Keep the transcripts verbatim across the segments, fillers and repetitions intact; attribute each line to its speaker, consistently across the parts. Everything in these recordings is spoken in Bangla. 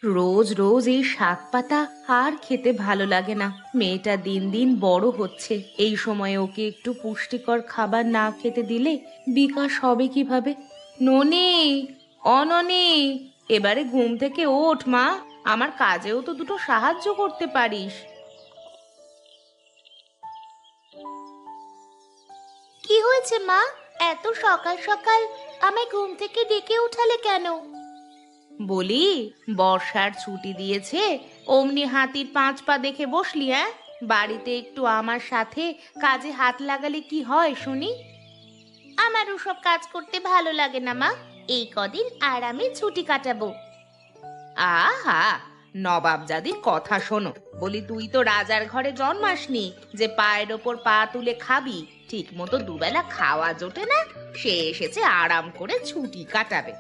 Speaker 1: রোজ রোজ এই শাক পাতা আর খেতে ভালো লাগে না। মেয়েটা দিন দিন বড় হচ্ছে, এই সময় ওকে একটু পুষ্টিকর খাবার না খেতে দিলে বিকাশ হবে কিভাবে? ননি, অননি, এবারে ঘুম থেকে ওঠ মা, আমার কাজেও তো দুটো সাহায্য করতে পারিস।
Speaker 2: কি হয়েছে মা? এত সকাল সকাল আমায় ঘুম থেকে ডেকে উঠালে কেন?
Speaker 1: বলি, বর্ষার ছুটি দিয়েছে, অমনি হাতির পাঁচ পা দেখে বসলি? হ্যাঁ, বাড়িতে একটু আমার সাথে কাজে হাত লাগালে কি হয় শুনি?
Speaker 2: আমার ওসব কাজ করতে ভালো লাগে না মা। এই কদিন আরামে ছুটি কাটাবো।
Speaker 1: আহা, নবাবজাদির কথা শোনো। বলি, তুই তো রাজার ঘরে জন্মাসনি যে পায়ের ওপর পা তুলে খাবি। ঠিক মতো দুবেলা খাওয়া জোটে না, সে এসেছে আরাম করে ছুটি কাটাবে।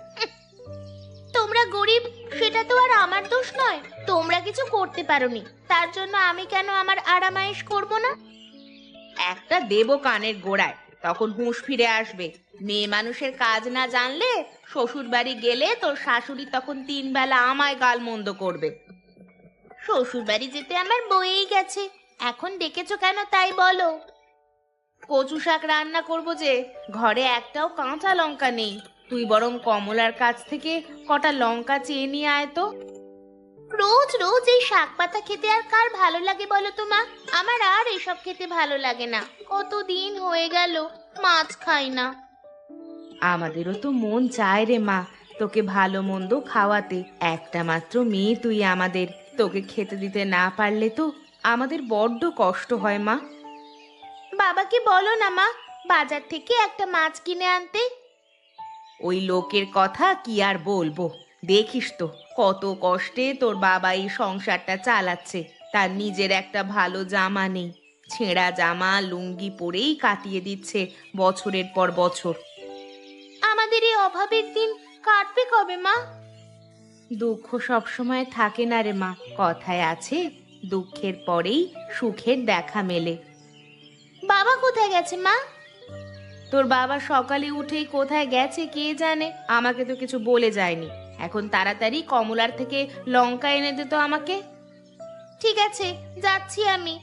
Speaker 2: তোমরা গরিব, সেটা তো আর আমার দোষ নয়। তোমরা কিছু করতে পারোনি, তার জন্য আমি কেন আমার আরামায়েশ করব না?
Speaker 1: একটা দেবো কানের গোড়ায়, তখন হুঁশ ফিরে আসবে। মেয়ে মানুষের কাজ না জানলে শ্বশুর বাড়ি গেলে তোর শাশুড়ি তখন তিন বেলা আমায় গালমন্দ করবে।
Speaker 2: শ্বশুর বাড়ি যেতে আমার বয়েই গেছে, এখন ডেকেছো কেন তাই বলো।
Speaker 1: কচু শাক রান্না করবো যে, ঘরে একটাও কাঁচা লঙ্কা নেই। তুই বরং কমলার কাছ থেকে কটা লঙ্কা চেয়ে নিয়ে আয় তো।
Speaker 2: রোজ রোজ এই শাক পাতা খেতে আর কার ভালো লাগে বলো তো মা? আমার আর এসব খেতে ভালো লাগে না। কতদিন হয়ে গেল মাছ খাই না।
Speaker 1: আমাদেরও তো মন চায় রে মা, তোকে ভালো মন্দ খাওয়াতে। একটা মাত্র মেয়ে তুই আমাদের, তোকে খেতে দিতে না পারলে তো আমাদের বড্ড কষ্ট হয় মা।
Speaker 2: বাবাকে বলো না মা, বাজার থেকে একটা মাছ কিনে আনতে।
Speaker 1: ওই লোকের কথা কি আর বলবো, দেখিস তো কত কষ্টে তোর বাবা এই সংসারটা চালাচ্ছে। তার নিজের একটা ভালো জামা নেই, ছেঁড়া জামা লুঙ্গি পরেই কাটিয়ে দিচ্ছে বছরের পর বছর।
Speaker 2: আমাদের এই অভাবের দিন কাটবে কবে মা?
Speaker 1: দুঃখ সবসময় থাকে না রে মা, কথায় আছে, দুঃখের পরেই সুখের দেখা মেলে।
Speaker 2: বাবা কোথায় গেছে মা?
Speaker 1: তোর বাবা সকালে উঠেই কোথায় গেছে কে জানে, আমাকে তো কিছু বলে যায়নি। এখন তাড়াতাড়ি কমলার থেকে লঙ্কা এনে দে তো আমাকে।
Speaker 2: ঠিক আছে, যাচ্ছি আমি।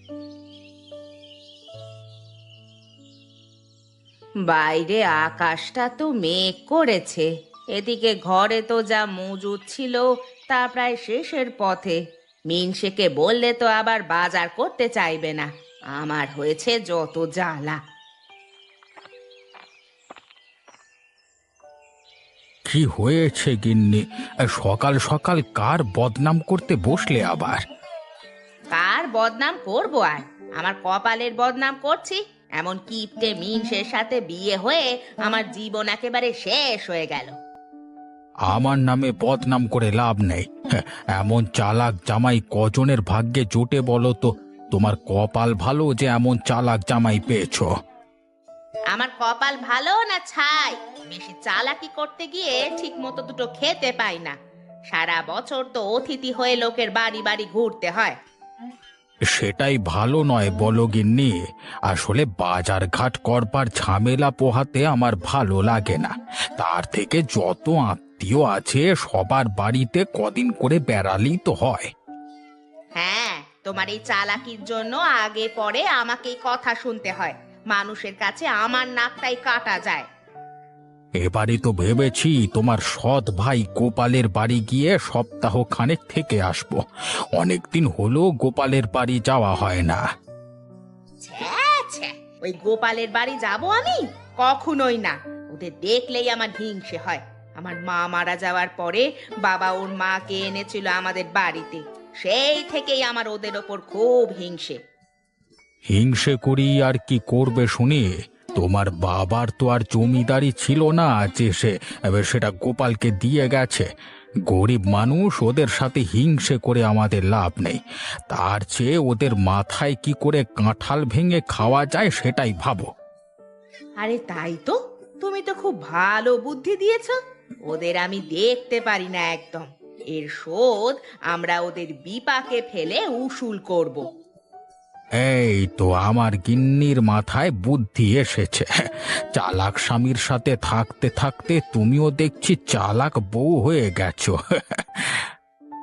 Speaker 1: বাইরে আকাশটা তো মেঘ করেছে, এদিকে ঘরে তো যা মজুদ ছিল তা প্রায় শেষের পথে। মিনসেকে বললে তো আবার বাজার করতে চাইবে না। আমার হয়েছে যত জ্বালা।
Speaker 3: কি হয়েছে গিন্নি? সকাল সকাল কার বদনাম করতে বসলে আবার?
Speaker 1: কার বদনাম করবো আর? আমার কপালের বদনাম করছি। এমন কিপটে মিনসের সাথে বিয়ে হয়ে আমার জীবন একেবারে শেষ হয়ে গেল।
Speaker 3: আমার নামে বদনাম করে লাভ নেই। হ্যাঁ, এমন চালাক জামাই কজনের ভাগ্যে জোটে বলো তো? তোমার কপাল ভালো যে এমন চালাক জামাই পেয়েছো।
Speaker 1: আমার কপাল ভালো না ছাই? বেশি চালাকি করতে গিয়ে ঠিক মতো দুটো খেতে পাই না। সারা বছর তো অতিথি হয়ে লোকের বাড়ি বাড়ি ঘুরতে হয়।
Speaker 3: সেটাই ভালো নয় বলো গিন্নি। আসলে বাজার ঘাট করবার ঝামেলা পোহাতে আমার ভালো লাগে না। তার থেকে যত আত্মীয় আছে সবার বাড়িতে কদিন করে বেড়ালেই তো হয়।
Speaker 1: হ্যাঁ, তোমার এই চালাকির জন্য আগে পরে আমাকেই কথা শুনতে হয়। মানুষের কাছে আমার নাকটাই কাটা যায়।
Speaker 3: এবারে তো ভেবেছি তোমার সৎ ভাই গোপালের বাড়ি গিয়ে সপ্তাহ খানেক থেকে আসবো। অনেকদিন হলো গোপালের বাড়ি যাওয়া হয় না।
Speaker 1: ছ্যা ছ্যা, ওই গোপালের বাড়ি যাব আমি? কখনোই না। ওদের দেখলেই আমার হিংসে হয়। আমার মা মারা যাওয়ার পরে বাবা ওর মাকে এনেছিল আমাদের বাড়িতে, সেই থেকেই আমার ওদের ওপর খুব হিংসে।
Speaker 3: হিংসে করি আর কি করবে শুনি? তোমার বাবার তো আর জমিদারি ছিল না যে সে এবার সেটা গোপালকে দিয়ে গেছে। গরিব মানুষ, ওদের সাথে হিংসে করে আমাদের লাভ নেই। তার চেয়ে ওদের মাথায় কি করে কাঁঠাল ভেঙে খাওয়া যায় সেটাই ভাবো।
Speaker 1: আরে তাই তো, তুমি তো খুব ভালো বুদ্ধি দিয়েছো। ওদের আমি দেখতে পারি না একদম। এর শোধ আমরা ওদের বিপাকে ফেলে উসুল করব।
Speaker 3: এই তো আমার গিন্নির মাথায় বুদ্ধি এসেছে। চালাক স্বামীর সাথে থাকতে থাকতে তুমিও দেখছি চালাক বউ হয়ে গেছো।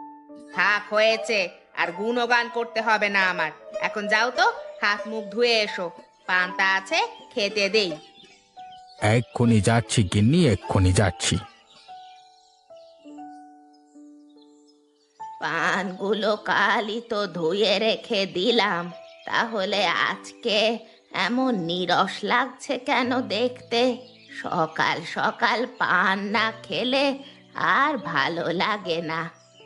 Speaker 1: থাক হয়েছে, আর গুণগান করতে হবে না আমার। এখন যাও তো, হাত মুখ ধুয়ে এসো, পান্তা আছে খেতে দেই।
Speaker 3: এক্ষুনি যাচ্ছি গিন্নি, এক্ষুনি যাচ্ছি।
Speaker 2: পানগুলো কালই তো ধুয়ে রেখে দিলাম, তাহলে আজকে এমন নীরস লাগছে কেন দেখতে? সকাল সকাল পান না খেলে আর ভালো লাগে না।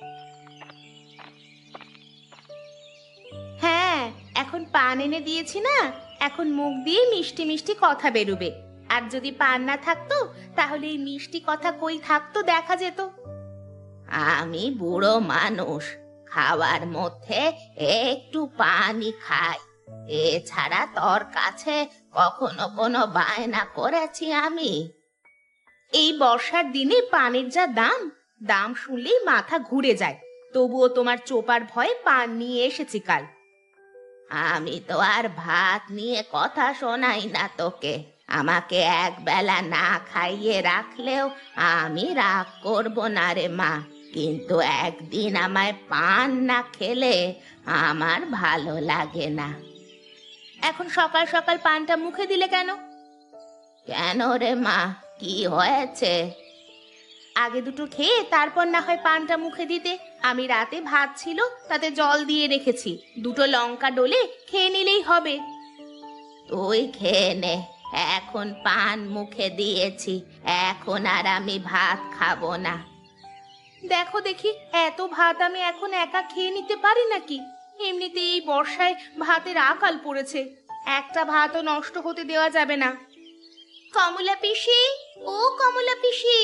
Speaker 1: হ্যাঁ, এখন পান এনে দিয়েছি না, এখন মুখ দিয়ে মিষ্টি মিষ্টি কথা বেরুবে। আর যদি পান না থাকতো তাহলে এই মিষ্টি কথা কই থাকতো দেখা যেত।
Speaker 2: আমি বুড়ো মানুষ, খাওয়ার মধ্যে একটু পানি খাই, এছাড়া তোর কাছে কখনো কোনো বায়না করেছি আমি?
Speaker 1: এই বর্ষার দিনে পানের যা দাম, দাম শুনলেই মাথা ঘুরে যায়। তবুও তোমার চোপার ভয়ে পান নিয়ে এসেছি কাল।
Speaker 2: আমি তো আর ভাত নিয়ে কথা শোনাই না তোকে, আমাকে এক বেলা না খাইয়ে রাখলেও আমি রাগ করব না রে মা, কিন্তু একদিন আমায় পান না খেলে আমার ভালো লাগে না।
Speaker 1: এখন সকাল সকাল পানটা মুখে দিলে কেন?
Speaker 2: কেন রে মা, কি হয়েছে?
Speaker 1: আগে দুটো খেয়ে তারপর না হয় পানটা মুখে দিতে। আমি রাতে ভাত ছিল তাতে জল দিয়ে রেখেছি, দুটো লঙ্কা ডলে খেয়ে নিলেই হবে।
Speaker 2: তুই খেয়ে নে, এখন পান মুখে দিয়েছি, এখন আর আমি ভাত খাবো না।
Speaker 1: দেখো দেখি, এত ভাত আমি এখন একা খেয়ে নিতে পারি নাকি? এমনিতে এই বর্ষায় ভাতের আকাল পড়েছে, একটা ভাতও নষ্ট হতে দেওয়া যাবে না। কমলা পিসি, ও কমলা পিসি।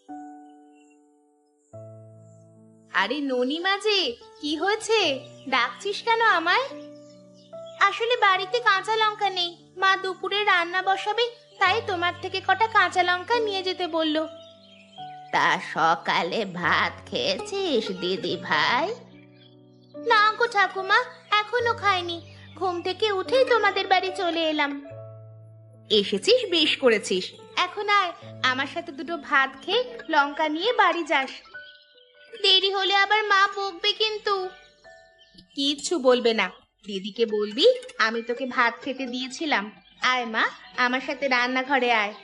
Speaker 1: আরে ননিমা যে, কি হয়েছে? ডাকছিস কেন আমায়? আসলে বাড়িতে কাঁচা লঙ্কা নেই, মা দুপুরে রান্না বসাবে, তাই তোমার থেকে কটা কাঁচা লঙ্কা নিয়ে যেতে বললো।
Speaker 2: তা সকালে ভাত খেয়েছিস দিদি ভাই?
Speaker 1: না গো ঠাকুমা, এখনো খাইনি, ঘুম থেকে উঠেই তোমাদের বাড়ি চলে এলাম। এসেছিস, বেশ করেছিস। এখন আয়, আমার সাথে দুটো ভাত খেয়ে লঙ্কা নিয়ে বাড়ি যাস। দেরি হলে আবার মা বকবে কিন্তু। কিচ্ছু বলবে না, দিদিকে বলবি আমি তোকে ভাত খেতে দিয়েছিলাম। আয় মা, আমার সাথে রান্নাঘরে আয়।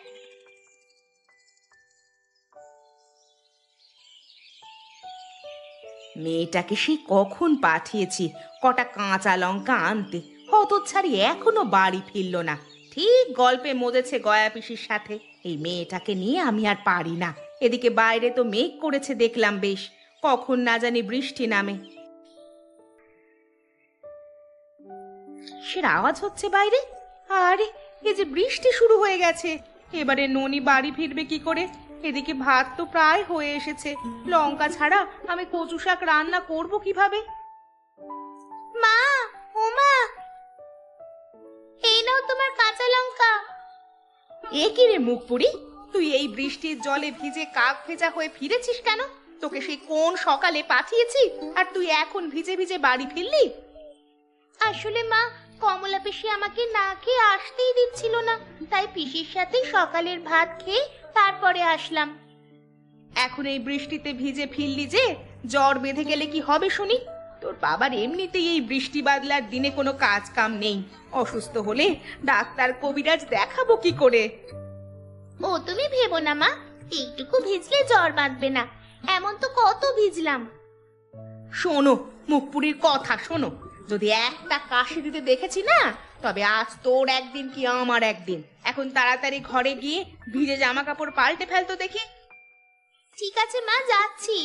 Speaker 1: মেয়েটাকে সে কখন পাঠিয়েছি কটা কাঁচা লঙ্কা আনতে, হতচ্ছাড়ি এখনো বাড়ি ফিরল না। ঠিক গল্পে মজেছে গয়া পিসির সাথে। এই মেয়েটাকে নিয়ে আমি আর পারি না। এদিকে বাইরে তো মেঘ করেছে দেখলাম বেশ, কখন না জানি বৃষ্টি নামে। সে আওয়াজ হচ্ছে বাইরে, আরে এই যে বৃষ্টি শুরু হয়ে গেছে। এবারে ননি বাড়ি ফিরবে কি করে? এদিকে ভাত তো প্রায় হয়ে এসেছে, লঙ্কা ছাড়া আমি কচু শাক রান্না করব কিভাবে? মা, ও মা, এই নাও তোমার কাঁচা লঙ্কা। এ কি রে মুখপুরি, তুই এই বৃষ্টির জলে ভিজে কাক ভেজা হয়ে ফিরেছিস কেন? তোকে সেই কোন সকালে পাঠিয়েছি আর তুই এখন ভিজে ভিজে বাড়ি ফিরলি? আসলে মা, কমলা পিসি আমাকে না খেয়ে আসতেই দিচ্ছিল না, তাই পিসির সাথে সকালের ভাত খেয়ে তারপরে আসলাম। এখন এই বৃষ্টিতে ভিজে ফিরলি যে, জ্বর বেঁধে গেলে কি হবে শুনি? তোর বাবার এমনিতেই এই বৃষ্টি বাদলার দিনে কোনো কাজ কাম নেই, অসুস্থ হলে ডাক্তার কবিরাজ দেখাবো কি করে?
Speaker 2: ও তুমি ভেবো না মা, এইটুকু ভিজলে জ্বর বাঁধবে না, এমন তো কত ভিজলাম।
Speaker 1: শোনো, মুখপুরীর কথা শোনো, যদি একটা কাশি দিতে দেখেছি না, তবে আজ তোর একদিন কি আমার একদিন। এখন তাড়াতাড়ি ঘরে গিয়ে ভিজে জামা কাপড় পাল্টে ফেলতো দেখি।
Speaker 2: ঠিক আছে মা, যাচ্ছি।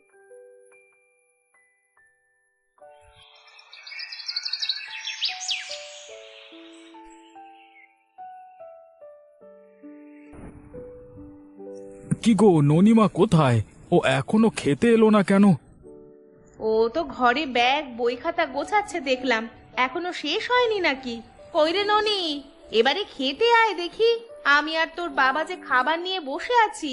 Speaker 3: কি গো, ননিমা কোথায়? ও এখনো খেতে এলো না কেন?
Speaker 1: ও তো ঘরে ব্যাগ বই খাতা গোছাচ্ছে দেখলাম, এখনো শেষ হয়নি নাকি? কই রে ননি, এবারে খেতে আয় দেখি, আমি আর তোর বাবা যে খাবার নিয়ে বসে আছি।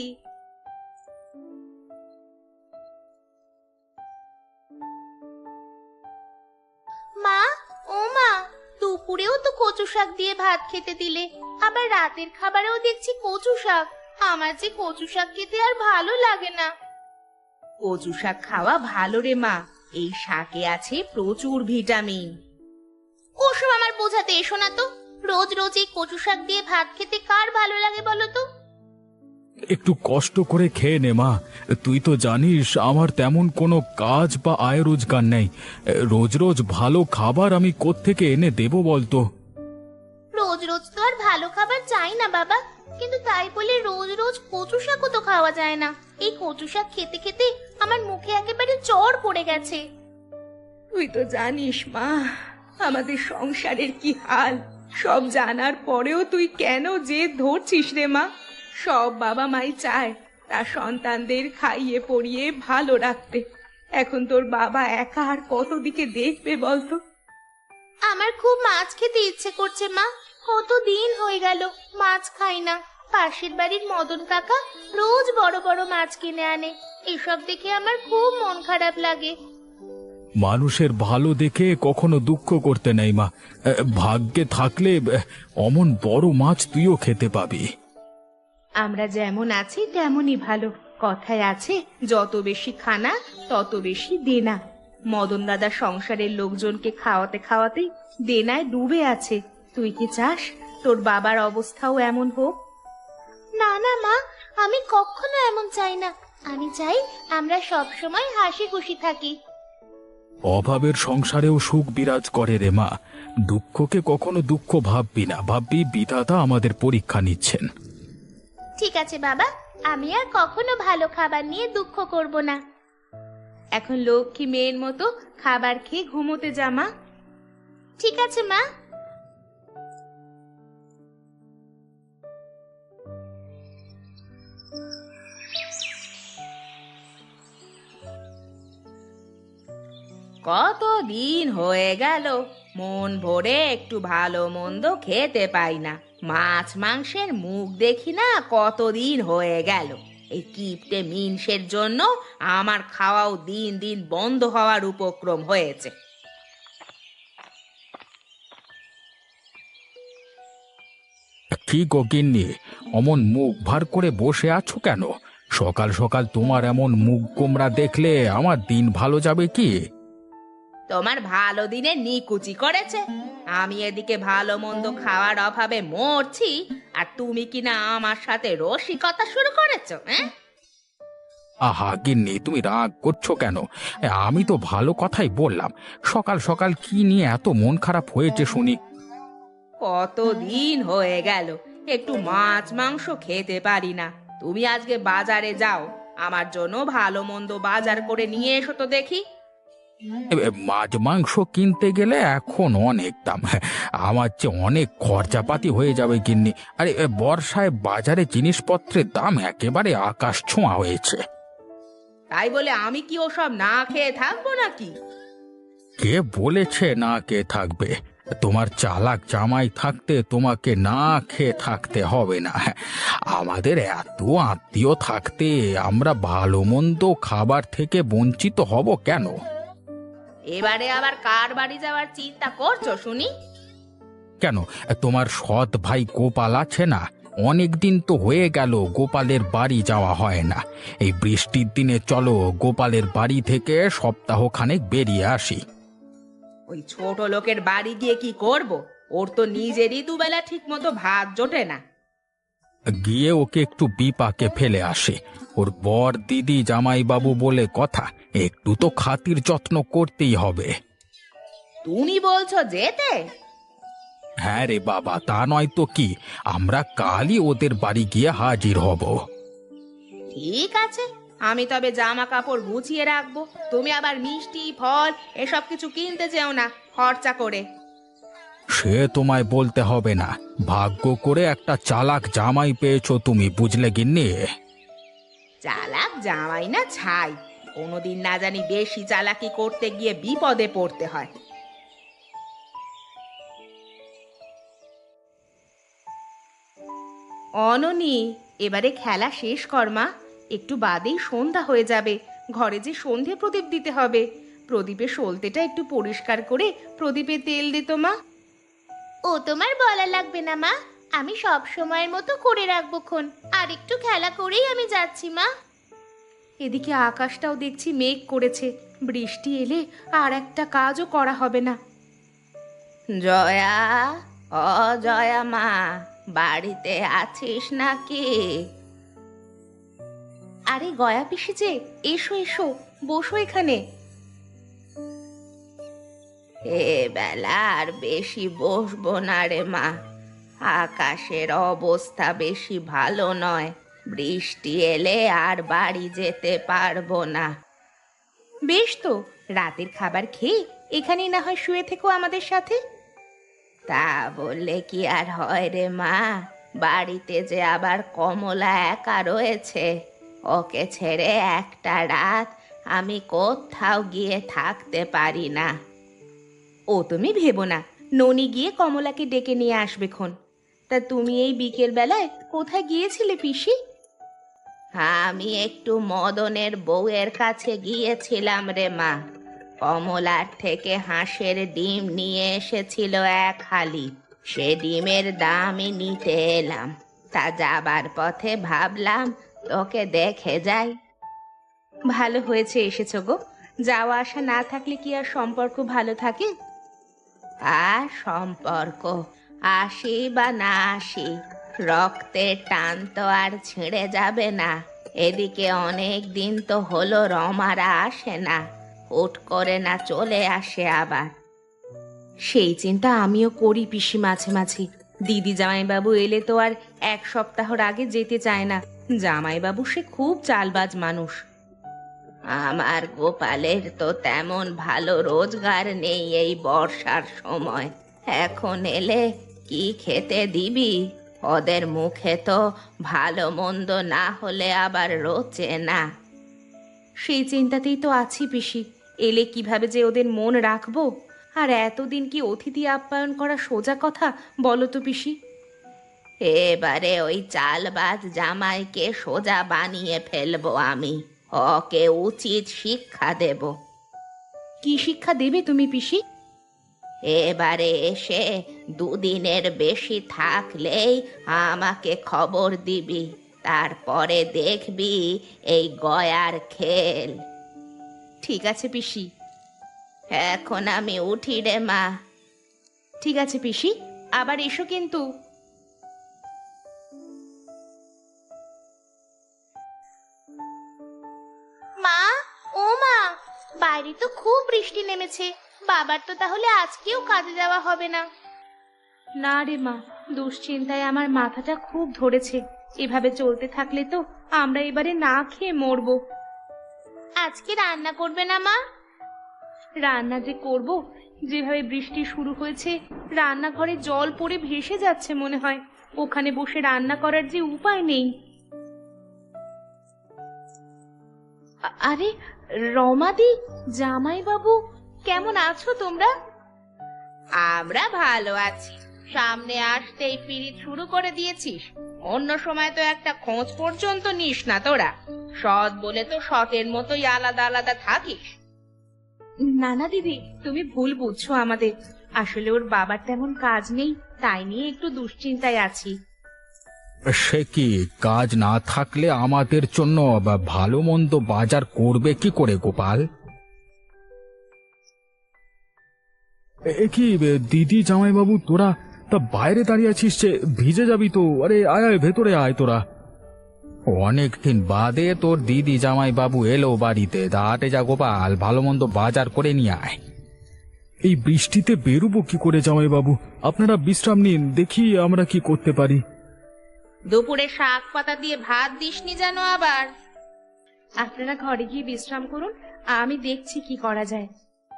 Speaker 2: মা, ও মা, দুপুরেও তো কচু শাক দিয়ে ভাত খেতে দিলে, আবার রাতের খাবারেও দেখছি কচু শাক। আমার যে কচু শাক খেতে আর ভালো লাগে না।
Speaker 1: কচু শাক খাওয়া ভালো রে মা, এই শাকে আছে প্রচুর ভিটামিন।
Speaker 2: ওসব আমার বোঝাতে এসো না তো। রোজ রোজ এই কচু শাক দিয়ে ভাত খেতে কার ভালো লাগে বলো তো?
Speaker 3: একটু কষ্ট করে খেয়ে নে মা। তুই তো জানিস আমার তেমন কোনো কাজ বা আয় রোজগার নেই। রোজ রোজ ভালো খাবার আমি কোত্থেকে এনে দেবো বলতো?
Speaker 2: রোজ রোজ তো আর ভালো খাবার চাই না বাবা, কিন্তু তাই বলে রোজ রোজ কচু শাকও তো খাওয়া যায় না। এই কচু শাক খেতে খেতে আমার মুখে একেবারে চড় পড়ে গেছে।
Speaker 1: তুই তো জানিস মা, আমাদের সংসারের কি হাল। সব জানার পরেও তুই কেন যে ধরছিস রে মা? সব বাবা মাই চায় তার সন্তানদের খাইয়ে পরিয়ে ভালো রাখতে। এখন তোর বাবা একা আর কত দিকে দেখবে বলতো?
Speaker 2: আমার খুব মাছ খেতে ইচ্ছে করছে মা। কত দিন হয়ে গেল মাছ খাই না। পাশের বাড়ির মদন কাকা রোজ বড় বড় মাছ কিনে আনে। এসব দেখে আমার খুব মন খারাপ লাগে।
Speaker 3: মানুষের ভালো দেখে কখনো দুঃখ করতে নেই মা। ভাগ্যে থাকলে অমন বড় মাছ তুইও খেতে পাবি।
Speaker 1: আমরা যেমন আছি তেমনই ভালো। কথায় আছে, যত বেশি খানা তত বেশি দেনা। মদন দাদা সংসারের লোকজনকে খাওয়াতে খাওয়াতে দেনায় ডুবে আছে। তুই কি চাস তোর বাবার অবস্থাও এমন হোক?
Speaker 2: না না মা, আমি কখনো এমন চাই না। আমি চাই আমরা সব সময় হাসি খুশি থাকি।
Speaker 3: অভাবের সংসারেও সুখ বিরাজ করে রে মা। দুঃখকে কখনো দুঃখ ভাববি না, ভাববি বিধাতা আমাদের পরীক্ষা নিচ্ছেন।
Speaker 2: ঠিক আছে বাবা, আমি আর কখনো ভালো খাবার নিয়ে দুঃখ করব না।
Speaker 1: এখন লক্ষ্মী মেয়ের মতো খাবার খেয়ে ঘুমোতে যা মা।
Speaker 2: ঠিক আছে মা।
Speaker 1: কত দিন হয়ে গেল মন ভরে একটু ভালো মন্দ খেতে পাই না। মাছ মাংসের মুখ দেখি না কতদিন হয়ে গেল। এই কিপটে মিনসের জন্য আমার খাওয়াও দিন দিন বন্ধ হওয়ার উপক্রম হয়েছে।
Speaker 3: কি গো গিন্নি, অমন মুখ ভার করে বসে আছো কেন? সকাল সকাল তোমার এমন মুখ গোমরা দেখলে আমার দিন ভালো যাবে কি?
Speaker 1: তোমার ভালো দিনে নিকুচি করেছে। আমি এদিকে ভালো মন্দ খাওয়ার অভাবে মরছি, আর তুমি কিনা আমার সাথে রসিকতা শুরু করেছো। হ্যাঁ,
Speaker 3: আহা গিন্নি, তুমি রাগ করছো কেন? আমি তো ভালো কথাই বললাম। সকাল সকাল কি নিয়ে এত মন খারাপ হয়েছে শুনি?
Speaker 1: কত দিন হয়ে গেল একটু মাছ মাংস খেতে পারি না। তুমি আজকে বাজারে যাও, আমার জন্য ভালো মন্দ বাজার করে নিয়ে এসো তো দেখি।
Speaker 3: এ, মাছ মাংস কিনতে গেলে এখন অনেক দাম। আমার চেয়ে অনেক খরচাপাতি হয়ে যাবে গিন্নি। আরে এ, বর্ষায় বাজারে জিনিসপত্রের দাম একেবারে আকাশ ছোঁয়া হয়েছে।
Speaker 1: তাই বলে আমি কি ওসব না খেয়ে থাকবো নাকি?
Speaker 3: কে বলেছে না কে থাকবে? তোমার চালাক জামাই থাকতে তোমাকে না খেয়ে থাকতে হবে না। আমাদের এত আত্মীয় থাকতে আমরা ভালো মন্দ খাবার থেকে বঞ্চিত হব কেন?
Speaker 1: এবারে আবার কার বাড়ি যাওয়ার চিন্তা করছো শুনি?
Speaker 3: কেন, তোমার সৎ ভাই গোপাল আছে না? অনেক দিন তো হয়ে গেল গোপালের বাড়ি যাওয়া হয় না। এই বৃষ্টির দিনে চলো গোপালের বাড়ি থেকে সপ্তাহখানেক বেরিয়ে আসি।
Speaker 1: ওই ছোট লোকের বাড়ি গিয়ে কি করব? ওর তো নিজেরই দুবেলা ঠিক মতো ভাত জোটে না।
Speaker 3: গিয়ে ওকে একটু বিপাকে ফেলে আসে। ওর বর দিদি জামাইবাবু বলে কথা, একটু তো খাতির যত্ন করতেই হবে।
Speaker 1: তুমি বলছো যেতে?
Speaker 3: হ্যাঁ রে বাবা, তা নয় তো কি। আমরা কালই ওদের বাড়ি গিয়ে হাজির হব।
Speaker 1: ঠিক আছে, আমি তবে জামা কাপড় গুছিয়ে রাখবো। তুমি আবার মিষ্টি ফল এসব কিছু কিনতে যেও না খরচা করে।
Speaker 3: সে তোমায় বলতে হবে না। ভাগ্য করে একটা চালাক জামাই পেয়েছো তুমি, বুঝলে গিন্নি?
Speaker 1: চালাক জামাই না ছাই, কোনোদিন না জানি বেশি চালাকি করতে গিয়ে বিপদে পড়তে হয়। অননি, এবারে খেলা শেষ কর মা। একটু বাদেই সন্ধ্যা হয়ে যাবে। ঘরে যে সন্ধে প্রদীপ দিতে হবে। প্রদীপের সলতেটা একটু পরিষ্কার করে প্রদীপে তেল দিত মা।
Speaker 2: ও তোমার বলা লাগবে না মা, আমি সব সময়ের মতো করে রাখবো খন। আর একটু খেলা করেই আমি যাচ্ছি মা।
Speaker 1: এদিকে আকাশটাও দেখছি মেঘ করেছে, বৃষ্টি এলে আর একটা কাজও করা হবে না।
Speaker 2: জয়া, ও জয়া মা, বাড়িতে আছিস নাকি?
Speaker 1: আরে গয়া পিসি যে, এসো এসো, বসো এখানে।
Speaker 2: এ বেলা আর বেশি বসবো না রে মা, আকাশের অবস্থা বেশি ভালো নয়। বৃষ্টি এলে আর বাড়ি যেতে পারবো না।
Speaker 1: বেশ তো, রাতের খাবার খেয়ে এখানেই না হয় শুয়ে থেকো আমাদের সাথে।
Speaker 2: তা বললে কি আর হয় রে মা, বাড়িতে যে আবার কমলা একা রয়েছে, ওকে ছেড়ে একটা রাত আমি কোথাও গিয়ে থাকতে পারি না।
Speaker 1: ও তুমি ভেবো না, ননি গিয়ে কমলাকে ডেকে নিয়ে আসবে খন। তা তুমি এই বিকেল বেলায় কোথায় গিয়েছিলে পিসি?
Speaker 2: আমি একটু মদনের বউয়ের কাছে গিয়েছিলাম রে মা। কমলার থেকে হাঁসের ডিম নিয়ে এসেছিল এক হালি, সে ডিমের দামই নিতে এলাম। তা যাবার পথে ভাবলাম তোকে দেখে যাই।
Speaker 1: ভালো হয়েছে এসেছো গো, যাওয়া আসা না থাকলে কি আর সম্পর্ক ভালো থাকে?
Speaker 2: আর সম্পর্ক আসি বা না আসি, রক্তের টান তো আর ছিঁড়ে যাবে না। এদিকে অনেক দিন তো হলো রমারা আসে না, হুট করে না চলে আসে আবার।
Speaker 1: সেই চিন্তা আমিও করি পিসি মাঝে মাঝে। দিদি জামাইবাবু এলে তো আর এক সপ্তাহর আগে যেতে চায় না। জামাইবাবু সে খুব চালবাজ মানুষ।
Speaker 2: আমার গোপালের তো তেমন ভালো রোজগার নেই এই বর্ষার সময়। এখন এলে কি খেতে দিবি? ওদের মুখে তো ভালো মন্দ না হলে আবার রোচে না।
Speaker 1: সেই চিন্তাতেই তো আছি পিসি, এলে কিভাবে যে ওদের মন রাখবো। আর এতদিন কি অতিথি আপ্যায়ন করা সোজা কথা বলো তো পিসি?
Speaker 2: এবারে ওই চালবাজ জামাইকে সোজা বানিয়ে ফেলবো আমি, ওকে উচিত শিক্ষা দেব।
Speaker 1: কি শিক্ষা দেবে তুমি পিসি?
Speaker 2: এবারে এসে দুদিনের বেশি থাকলেই আমাকে খবর দিবি, তারপরে দেখবি এই গয়ার খেল।
Speaker 1: ঠিক আছে পিসি।
Speaker 2: এখন আমি উঠি রে মা।
Speaker 1: ঠিক আছে পিসি, আবার এসো কিন্তু।
Speaker 4: মা, ও মা, বাইরে তো খুব বৃষ্টি নেমেছে। বাবার তো তাহলে আজকেও কাজে যাওয়া হবে না।
Speaker 1: না রে মা, দুশ্চিন্তায় আমার মাথাটা খুব ধরেছে। এভাবে চলতে থাকলে তো আমরা এবারে না খেয়ে মরবো।
Speaker 4: আজকে রান্না করবে না মা?
Speaker 1: রান্না যে করব, যেভাবে বৃষ্টি শুরু হয়েছে রান্নাঘরে জল পড়ে ভেসে যাচ্ছে মনে হয়। ওখানে বসে রান্না করার যে উপায় নেই। আ- আরে রমাদি, জামাইবাবু, কেমন আছো তোমরা?
Speaker 2: আমরা ভালো আছি। সামনে আসতেই পিরিত শুরু করে দিয়েছিস। অন্য সময় তো একটা খোঁজ পর্যন্ত নিস না তোরা। সৎ বলে তো সতের মতোই আলাদা আলাদা থাকিস।
Speaker 1: না না দিদি, তুমি ভুল বুঝছো আমাদের। আসলে ওর বাবার তেমন কাজ নেই, তাই নিয়ে একটু দুশ্চিন্তায় আছি।
Speaker 3: সে কি, কাজ না থাকলে আমাদের জন্য বা ভালো মন্দ বাজার করবে কি করে গোপাল? এ কি দিদি জামাইবাবু, তোরা তা বাইরে দাঁড়িয়ে আছিস যে, ভিজে যাবি তো। আরে আয় আয়, ভেতরে আয় তোরা। অনেকদিন বাদে তোর দিদি জামাইবাবু এলো বাড়িতে, দাঁড়াতে যা গোপাল, ভালো মন্দ বাজার করে নিয়ে আয়। এই বৃষ্টিতে বেরোবো কি করে জামাইবাবু? আপনারা বিশ্রাম নিন, দেখি আমরা কি করতে পারি।
Speaker 2: দুপুরে শাক পাতা দিয়ে ভাত দিসনি যেন আবার।
Speaker 1: আপনারা ঘরে গিয়ে বিশ্রাম করুন, আমি দেখছি কি করা যায়।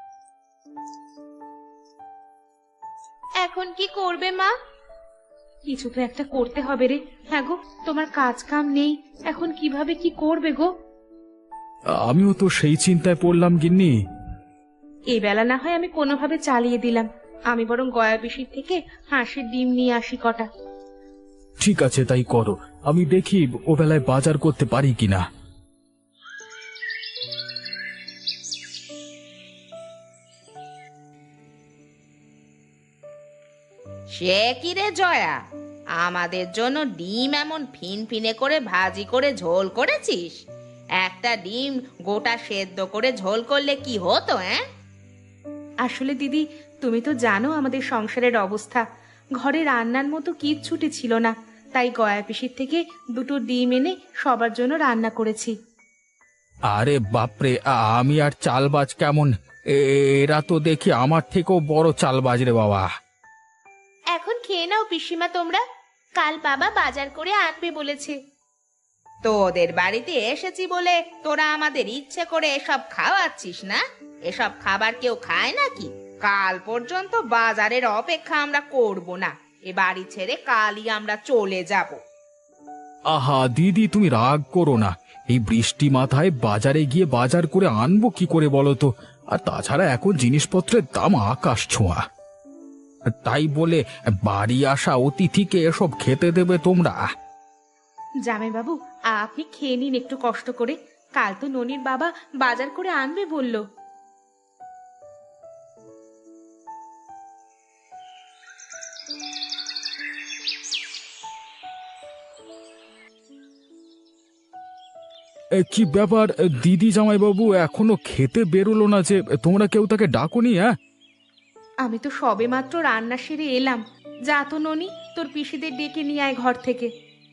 Speaker 4: এখন কি করবে মা?
Speaker 1: কিছু তো একটা করতে হবে রে। হ্যাঁ গো, তোমার কাজ কাম নেই, এখন কিভাবে কি করবে গো?
Speaker 3: আমিও তো সেই চিন্তায় পড়লাম গিন্নি।
Speaker 1: এই বেলা না হয় আমি কোনোভাবে চালিয়ে দিলাম। আমি বরং গয়া পিসির থেকে হাঁসের ডিম নিয়ে আসি কটা।
Speaker 3: ঠিক আছে, তাই করো। আমি দেখি ও বেলায় বাজার করতে পারি কিনা।
Speaker 2: সে কি রে জয়া, আমাদের জন্য ডিম এমন ফিনফিনে করে ভাজি করে ঝোল করেছিস? এক একটা ডিম গোটা সেদ্ধ করে ঝোল করলে কি হতো? হ্যাঁ,
Speaker 1: আসলে দিদি, তুমি তো জানো আমাদের সংসারের অবস্থা। ঘরে রান্নার মতো কিচ্ছুটি ছিল না, তাই গয়া পিসির থেকে দুটো ডিম এনে সবার জন্য রান্না করেছি।
Speaker 3: আরে বাপরে, আ- আমি আর চালবাজ কেমন! এ- এরা তো দেখি আমার থেকেও বড় চালবাজ রে বাবা।
Speaker 4: এখন খেয়ে নাও পিসিমা তোমরা, কাল বাবা বাজার করে আনবে বলেছে।
Speaker 2: তোদের বাড়িতে এসেছি বলে তোরা আমাদের ইচ্ছে করে এসব খাওয়াচ্ছিস না? এসব খাবার কেউ খায় নাকি? কাল পর্যন্ত বাজারের অপেক্ষা আমরা করব না, এ বাড়ি ছেড়ে কালই আমরা চলে যাব।
Speaker 3: আহা দিদি, তুমি রাগ করো না। এই বৃষ্টি মাথায় বাজারে গিয়ে বাজার করে আনবো কি করে বলো তো? আর তাছাড়া এখন জিনিসপত্রের দাম আকাশ ছোঁয়া। তাই বলে বাড়ি আসা অতিথিকে এসব খেতে দেবে তোমরা?
Speaker 1: জামাইবাবু, আপনি খেয়ে নিন একটু কষ্ট করে, কাল তো ননির বাবা বাজার করে আনবে বলল।
Speaker 3: এ, কি ব্যাপার দিদি, জামাইবাবু এখনো খেতে বেরোলো না যে? তোমরা কেউ তাকে ডাকোনি? হ্যাঁ,
Speaker 1: আমি তো সবেমাত্র রান্না সেরে এলাম। যা তো ননি, তোর পিসিদের ডেকে নিয়ে আয় ঘর থেকে।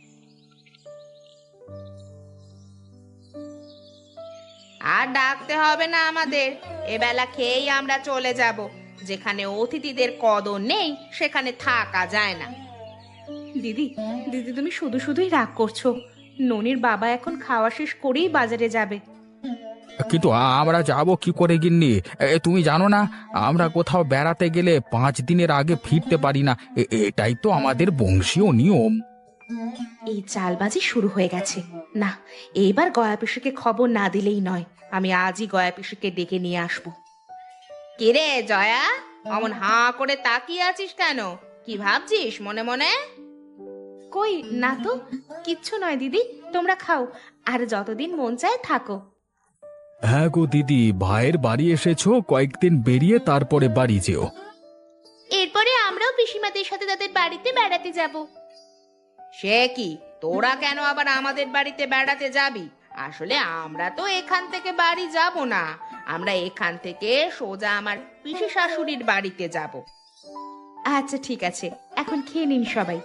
Speaker 2: আর ডাকতে হবে না আমাদের, এবেলা খেয়েই আমরা চলে যাব। যেখানে অতিথিদের কদর নেই সেখানে থাকা যায় না।
Speaker 1: দিদি, দিদি তুমি শুধু শুধুই রাগ করছো। ননির বাবা এখন খাওয়া শেষ করেই বাজারে যাবে।
Speaker 3: কিন্তু আমরা যাব কি করে গিন্নি? এ, তুমি জানো না, আমরা কোথাও বেড়াতে গেলে পাঁচ দিনের আগে ফিরতে পারি না। এ- এটাই তো আমাদের বংশীয় নিয়ম।
Speaker 1: এই চালবাজি শুরু হয়ে গেছে। না, এইবার গয়া পিসিকে খবর না দিলেই নয়। আমি আজই গয়া পিসিকে ডেকে নিয়ে আসবো।
Speaker 2: কিরে জয়া, অমন হাঁ করে তাকিয়ে আছিস কেন? কি ভাবছিস মনে মনে?
Speaker 1: কই না তো, কিচ্ছু নয় দিদি, তোমরা খাও আর যতদিন মন চায় থাকো।
Speaker 3: হ্যাঁ গো দিদি, ভাইয়ের বাড়ি এসেছো, কয়েকদিন বেরিয়ে তারপরে বাড়ি যেও।
Speaker 4: এরপরে আমরাও পিসিমাদের সাথে তাদের বাড়িতে বেড়াতে যাব।
Speaker 2: সে কি, তোরা কেন আবার আমাদের বাড়িতে বেড়াতে যাবি? আসলে আমরা তো এখান থেকে বাড়ি যাব না, আমরা এখান থেকে সোজা আমার পিসি শাশুড়ির বাড়িতে যাব।
Speaker 1: আচ্ছা ঠিক আছে, এখন খেয়ে নিন সবাই।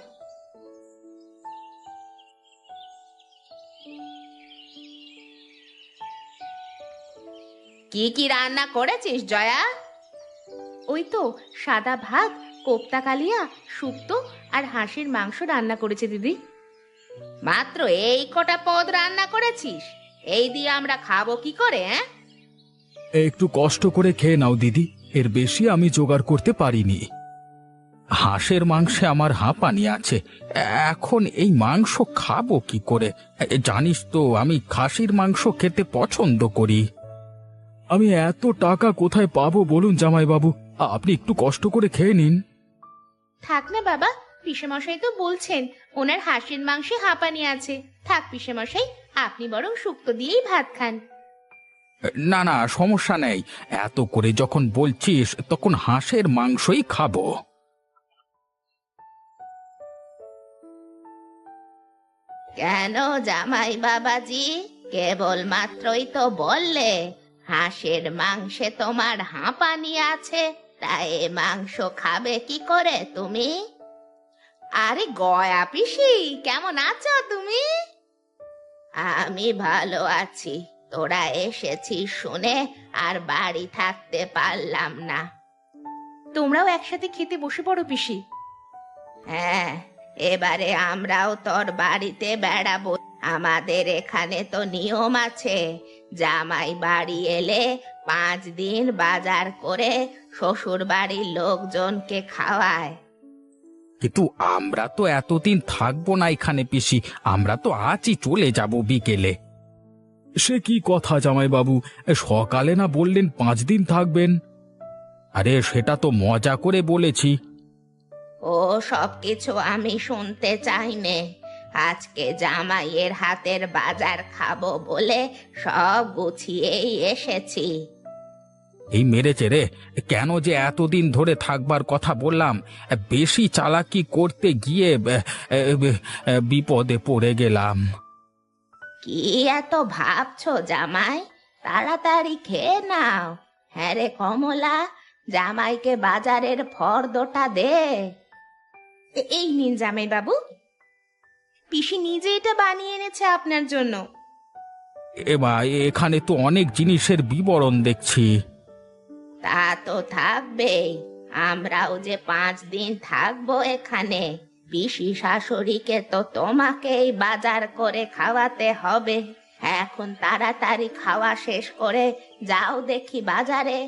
Speaker 2: কি কি রান্না করেছিস জয়া?
Speaker 1: ওই তো সাদা ভাত, কোপ্তা কালিয়া, শুক্তো আর হাঁসের মাংস রান্না করেছে দিদি।
Speaker 2: মাত্র এই কটা পদ রান্না করেছিস? এই দিয়ে আমরা খাবো কি করে? হ্যাঁ,
Speaker 3: একটু কষ্ট করে খেয়ে নাও দিদি, এর বেশি আমি জোগাড় করতে পারিনি। হাঁসের মাংসে আমার হাঁপানি আছে, এখন এই মাংস খাবো কি করে? এ, জানিস তো আমি খাসির মাংস খেতে পছন্দ করি। আমি এত টাকা কোথায় পাবো বলুন জামাইবাবু? আপনি একটু কষ্ট করে খেয়ে নিন।
Speaker 4: থাক না বাবা, পিসেমশাই তো বলছেন ওনার হাঁসের মাংসে হাঁপানি আছে। থাক পিসেমশাই, আপনি বরং শুক্তো দিয়েই ভাত খান।
Speaker 3: না না, সমস্যা নেই, এত করে যখন বলছিস তখন হাঁসের মাংসই খাবো।
Speaker 2: কেন জামাই বাবাজি, কেবল মাত্রই তো বললে হাঁসের মাংসে তোমার হাঁপানি আছে, তাই এ মাংস খাবে কি করে তুমি? আরে গয়া পিসি, কেমন আছো তুমি? আমি ভালো আছি, তোরা এসেছিস শুনে আর বাড়ি থাকতে পারলাম না।
Speaker 1: তোমরাও একসাথে খেতে বসে পড়ো পিসি।
Speaker 2: হ্যাঁ, এবারে আমরাও তোর বাড়িতে বেড়াবো। আমাদের এখানে তো নিয়ম আছে, জামাই বাড়ি এলে পাঁচ দিন বাজার করে শ্বশুর বাড়ির লোকজনকে খাওয়ায়।
Speaker 3: কিন্তু আমরা তো এতদিন থাকবো না এখানে পিসি, আমরা তো আজই চলে যাব বিকেলে। সে কি কথা জামাইবাবু, সকালে না বললেন পাঁচ দিন থাকবেন? আরে সেটা তো মজা করে বলেছি।
Speaker 2: ও সব কিছু আমি শুনতে চাই নে, আজকে জামাইয়ের হাতের বাজার খাবো বলে সব গুছিয়েই এসেছি।
Speaker 3: এই মেরেছে রে, কেন যে এতদিন ধরে থাকবার কথা বললাম, বেশি চালাকি করতে গিয়ে আহ, আহ, বিপদে পড়ে গেলাম।
Speaker 2: কি এত ভাবছো জামাই? তাড়াতাড়ি খেয়ে নাও। হ্যাঁ রে কমলা, জামাইকে বাজারের ফর্দটা দে।
Speaker 1: এ- এই নিন জামাই বাবু, পিসি নিজে এটা বানিয়ে এনেছে আপনার জন্য।
Speaker 3: এমা, এখানে তো অনেক জিনিসের বিবরণ দেখছি।
Speaker 2: তা তো থাকবেই, আমরাও যে পাঁচ দিন থাকবো এখানে। পিসি শাশুড়িকে তো তোমাকেই বাজার করে খাওয়াতে হবে। এখন তাড়াতাড়ি খাওয়া শেষ করে যাও দেখি বাজারে।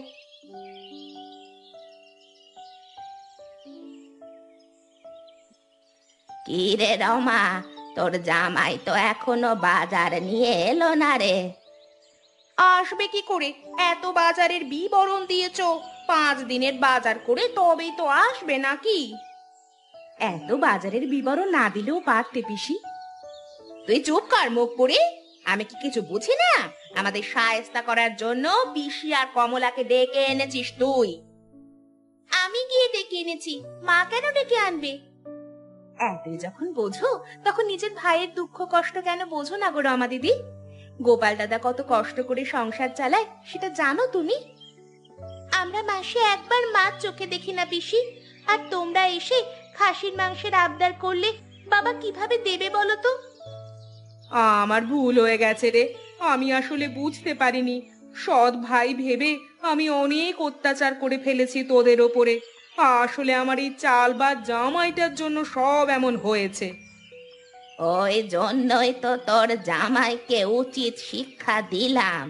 Speaker 2: কি রে রমা, তোর জামাই তো এখনো বাজার নিয়ে এলো না রে?
Speaker 1: আসবে কি করে? এত বাজারের বিবরণ দিয়েছো, পাঁচ দিনের বাজার করে তবেই তো আসবে নাকি? এত বাজারের বিবরণ না দিলেও পারতে পিসি। তুই চুপ কর মুখ পুরি, আমি কি কিছু বুঝি না? আমাদের শায়েস্তা করার জন্য পিসি আর কমলাকে ডেকে এনেছিস তুই। আমি গিয়ে ডেকে এনেছি, মা কেন ডেকে আনবে? এতই যখন বোঝো তখন নিজের ভাইয়ের দুঃখ কষ্ট কেন বোঝো না গো রমা দিদি? গোপাল দাদা কত কষ্ট করে সংসার চালায় সেটা জানো তুমি? আমরা মাসে একবার মাছ চোখে দেখি না পিসি, আর তোমরা এসে খাসির মাংসের আবদার করলে বাবা কিভাবে দেবে বলো তো? আমার ভুল হয়ে গেছে রে, আমি আসলে বুঝতে পারিনি। সৎ ভাই ভেবে আমি অনেক অত্যাচার করে ফেলেছি তোদের ওপরে। আসলে আমার এই চাল বা জামাইটার জন্য সব এমন হয়েছে।
Speaker 2: ওই জন্যই তো তোর জামাইকে উচিত শিক্ষা দিলাম।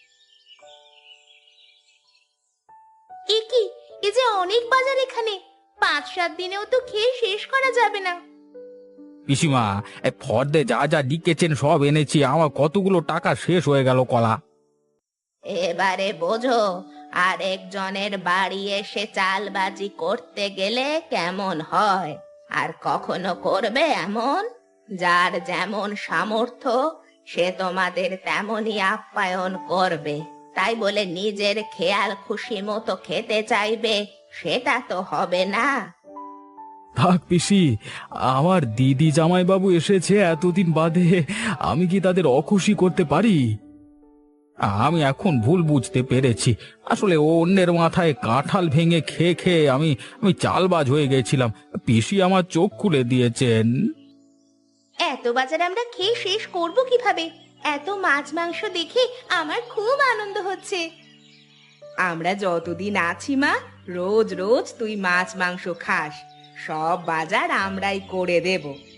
Speaker 1: এ কি, এ যে অনেক বাজার এখানে, পাঁচ সাত দিনেও তো খেয়ে শেষ করা যাবে না।
Speaker 3: পিসিমা, এ ফর্দে যা যা লিখেছেন সব এনেছি, আমার কতগুলো টাকা শেষ হয়ে গেল কলা।
Speaker 2: এবারে বোঝো, আরেকজনের বাড়ি এসে চালবাজি করতে গেলে কেমন হয়। আর কখনো করবে এমন? যার যেমন সামর্থ্য সে তোমাদের তেমনই আপ্যায়ন করবে। তাই বলে নিজের খেয়াল খুশি মতো খেতে চাইবে, সেটা তো হবে না।
Speaker 3: থাক পিসি, আমার দিদি জামাইবাবু এসেছে এতদিন বাদে, আমি কি তাদের অখুশি করতে পারি? আমি এখন ভুল বুঝতে পেরেছি। আসলে অন্যের মাথায় কাঁঠাল ভেঙে খেয়ে খেয়ে আমি আমি চালবাজ হয়ে গেছিলাম। পিসি আমার চোখ খুলে দিয়েছেন।
Speaker 1: এত বাজার আমরা খেয়ে শেষ করব কিভাবে? এত মাছ মাংস দেখে আমার খুব আনন্দ হচ্ছে। আমরা যতদিন আছি মা, রোজ রোজ তুই মাছ মাংস খাস, সব বাজার আমরাই করে দেব।